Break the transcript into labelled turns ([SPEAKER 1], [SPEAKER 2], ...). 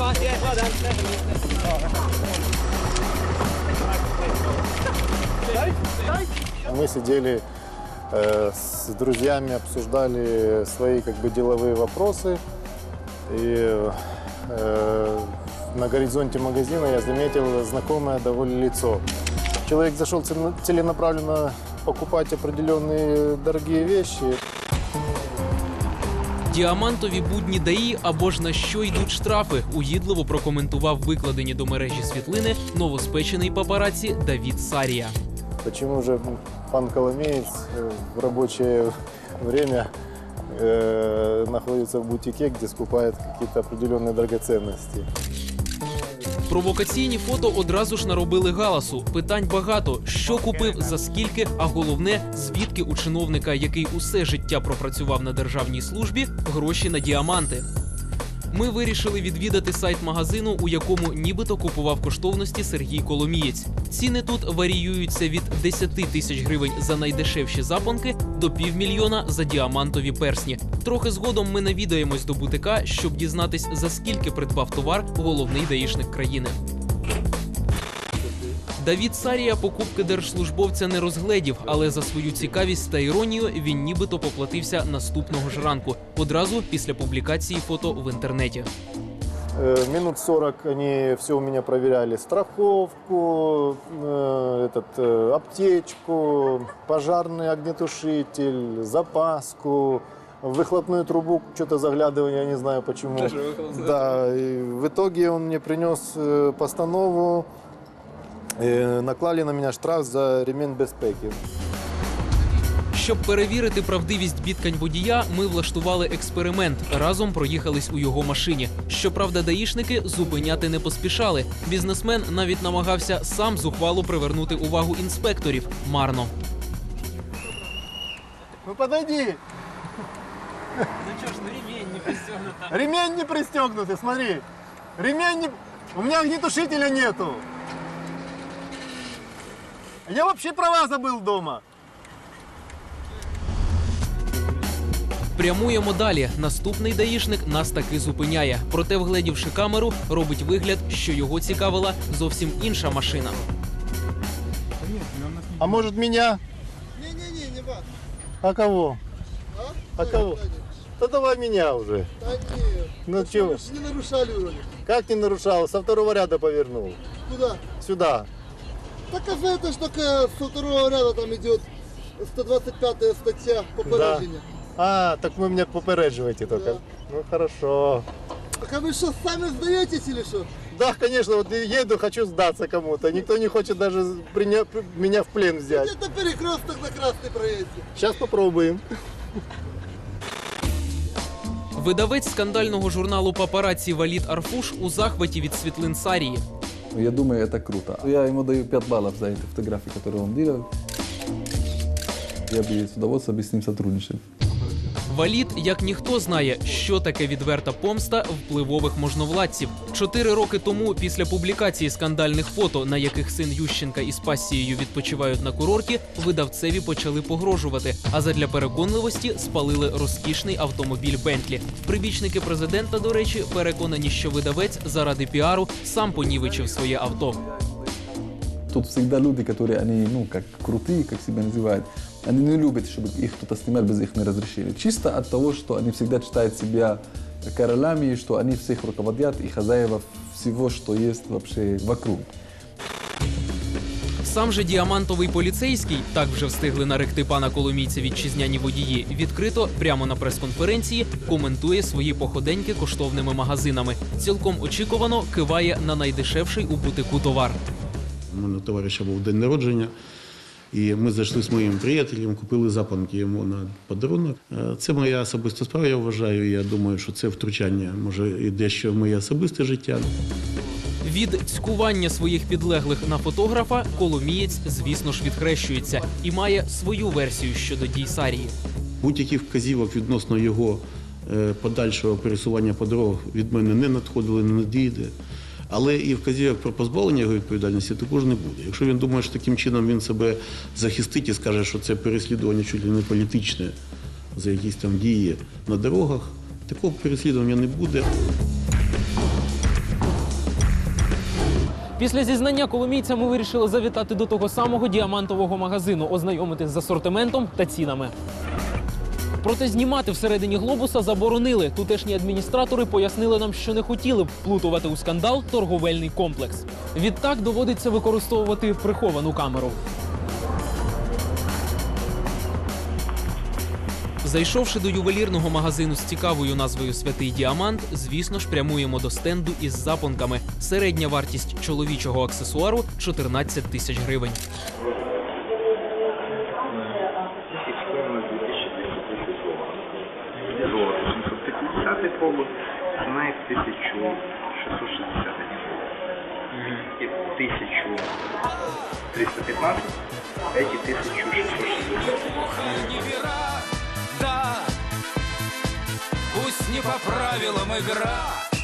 [SPEAKER 1] Мы сидели с друзьями, обсуждали свои деловые вопросы. И на горизонте магазина я заметил знакомое довольно лицо. Человек зашел целенаправленно покупать определенные дорогие вещи.
[SPEAKER 2] Діамантові будні ДАІ або ж на що йдуть штрафи, угідливо прокоментував викладені до мережі світлини новоспечений папараці Давід Сарія.
[SPEAKER 1] Почему же пан Коломеец в рабочее время находится в бутике, где скупает какие-то определенные драгоценности?
[SPEAKER 2] Провокаційні фото одразу ж наробили галасу. Питань багато. Що купив, за скільки, а головне, звідки у чиновника, який усе життя пропрацював на державній службі, гроші на діаманти. Ми вирішили відвідати сайт магазину, у якому нібито купував коштовності Сергій Коломієць. Ціни тут варіюються від 10 тисяч гривень за найдешевші запонки до півмільйона за діамантові персні. Трохи згодом ми навідаємось до бутика, щоб дізнатись, за скільки придбав товар головний даїшник країни. Давід Сарія покупки держслужбовця не розгледів, але за свою цікавість та іронію він нібито поплатився наступного ж ранку, одразу після публікації фото в інтернеті.
[SPEAKER 1] Минут 40 они все у меня проверяли. Страховку, аптечку, пожарный огнетушитель, запаску, в выхлопную трубу что-то заглядывание, я не знаю почему. Да, и в итоге он мне принес постанову. Наклали на мене штраф за ремінь безпеки.
[SPEAKER 2] Щоб перевірити правдивість бідкань водія, ми влаштували експеримент. Разом проїхались у його машині. Щоправда, даїшники зупиняти не поспішали. Бізнесмен навіть намагався сам зухвало привернути увагу інспекторів. Марно.
[SPEAKER 1] Ну подойди!
[SPEAKER 2] Ну чого ж, ремень не пристегнутий.
[SPEAKER 1] Ремень не пристегнутый, смотри. Ремень не... У меня огнетушителя нету. Я вообще права забыл дома.
[SPEAKER 2] Прямуємо далі. Наступний даїшник нас таки зупиняє. Проте, вгледівши камеру, робить вигляд, що його цікавила зовсім інша машина.
[SPEAKER 1] А может меня?
[SPEAKER 3] Не-не-не, не вас.
[SPEAKER 1] А кого?
[SPEAKER 3] А?
[SPEAKER 1] А кого? Да давай меня уже.
[SPEAKER 3] Да нет.
[SPEAKER 1] Ну чего?
[SPEAKER 3] Вы же не нарушали вроде.
[SPEAKER 1] Как не нарушал? Со второго ряда повернул.
[SPEAKER 3] Куда?
[SPEAKER 1] Сюда.
[SPEAKER 3] Так а это ж такая со второго ряда там идет 125 статья попереджения.
[SPEAKER 1] А, так вы меня попередживаете только.
[SPEAKER 3] Да.
[SPEAKER 1] Ну хорошо.
[SPEAKER 3] Так а вы что, сами сдаетесь или что?
[SPEAKER 1] Да, конечно, вот еду, хочу сдаться кому-то. Никто не хочет даже меня в плен взять.
[SPEAKER 3] Где-то перекресток на красный проезде.
[SPEAKER 1] Сейчас попробуем.
[SPEAKER 2] Видавець скандального журналу «Папараці» Валід Арфуш у захваті від світлин Сарії.
[SPEAKER 4] Я думаю, это круто. Я ему даю 5 баллов за эти фотографии, которые он делал. Я бы с удовольствием с ним сотрудничал.
[SPEAKER 2] Валід, як ніхто, знає, що таке відверта помста впливових можновладців. 4 роки тому, після публікації скандальних фото, на яких син Ющенка із пасією відпочивають на курорті, видавцеві почали погрожувати. А задля переконливості спалили розкішний автомобіль Бентлі. Прибічники президента, до речі, переконані, що видавець заради піару сам понівечив своє авто.
[SPEAKER 4] Тут всегда люди, которые, они, как крутые, как себя называют, они не любят, чтобы их кто-то снимал без их разрешения. Чисто от того, что они всегда считают себя королями, что они всех руководят и хозяева всего, что есть вообще вокруг.
[SPEAKER 2] Сам же діамантовий поліцейський, так вже встигли наректи пана Коломійця вітчизняні водії, відкрито, прямо на прес-конференції, коментує свої походеньки коштовними магазинами. Цілком очікувано киває на найдешевший у бутику товар.
[SPEAKER 5] У мене товариша був день народження, і ми зайшли з моїм приятелем, купили запонки йому на подарунок. Це моя особиста справа, я вважаю. Я думаю, що це втручання, може, і дещо в моє особисте життя.
[SPEAKER 2] Від цькування своїх підлеглих на фотографа Коломієць, звісно ж, відхрещується і має свою версію щодо дій Сарії.
[SPEAKER 5] Будь-яких вказівок відносно його подальшого пересування по дорогах від мене не надходили, не надійде. Але і вказівок про позбавлення його відповідальності також не буде. Якщо він думає, що таким чином він себе захистить і скаже, що це переслідування чуть ли не політичне за якісь там дії на дорогах, такого переслідування не буде.
[SPEAKER 2] Після зізнання коломійця ми вирішили завітати до того самого діамантового магазину, ознайомитись з асортиментом та цінами. Проте знімати всередині глобуса заборонили. Тутешні адміністратори пояснили нам, що не хотіли б вплутувати у скандал торговельний комплекс. Відтак доводиться використовувати приховану камеру. Зайшовши до ювелірного магазину з цікавою назвою «Святий діамант», звісно ж, прямуємо до стенду із запонками. Середня вартість чоловічого аксесуару – 14 тисяч гривень.
[SPEAKER 6] Золото 750 пробу, ціна їх 1660 і 1315, эти 1660.
[SPEAKER 7] Да, пусть не по правилам игра,